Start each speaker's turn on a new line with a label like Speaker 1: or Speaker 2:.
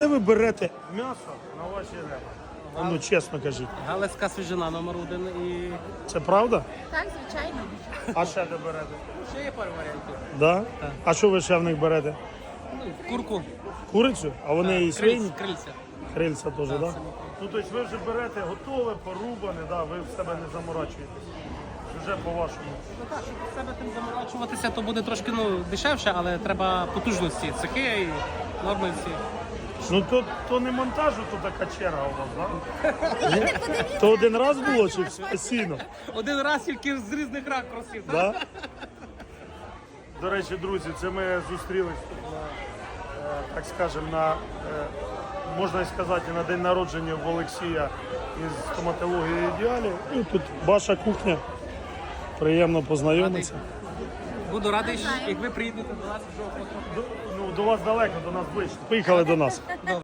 Speaker 1: Де ви берете м'ясо на ваші ребра? Ну, чесно кажіть.
Speaker 2: Галицька свіжина номер 1 і
Speaker 1: Це правда?
Speaker 3: Так, звичайно.
Speaker 1: А ще де берете?
Speaker 2: ще є пару варіантів.
Speaker 1: Да? А що ви ще в них берете?
Speaker 2: Ну, курку,
Speaker 1: Курицю? А вони і свині?
Speaker 2: крильця.
Speaker 1: Крильця теж, так? Да?
Speaker 2: самі.
Speaker 1: Ну, тобто ви вже берете готове, порубане, да, ви в себе не заморачуєтесь. Вже по-вашому.
Speaker 2: Ну так, щоб в себе тим заморачуватися, то буде трошки дешевше, але треба потужності, цехи і норми всі.
Speaker 1: Ну, то не монтажу, то така черга у вас, так? Ні? То один раз було чи постійно?
Speaker 2: Один раз тільки з різних ракурсів.
Speaker 1: Да? До речі, друзі, це ми зустрілись тут на, так скажемо, на, можна сказати, на день народження в Олексія із стоматології ідеалі. І тут ваша кухня. Приємно познайомитися.
Speaker 2: Буду радий, як ви приїдете до нас вже.
Speaker 1: Ну, до вас далеко, до нас ближче. Поїхали до нас.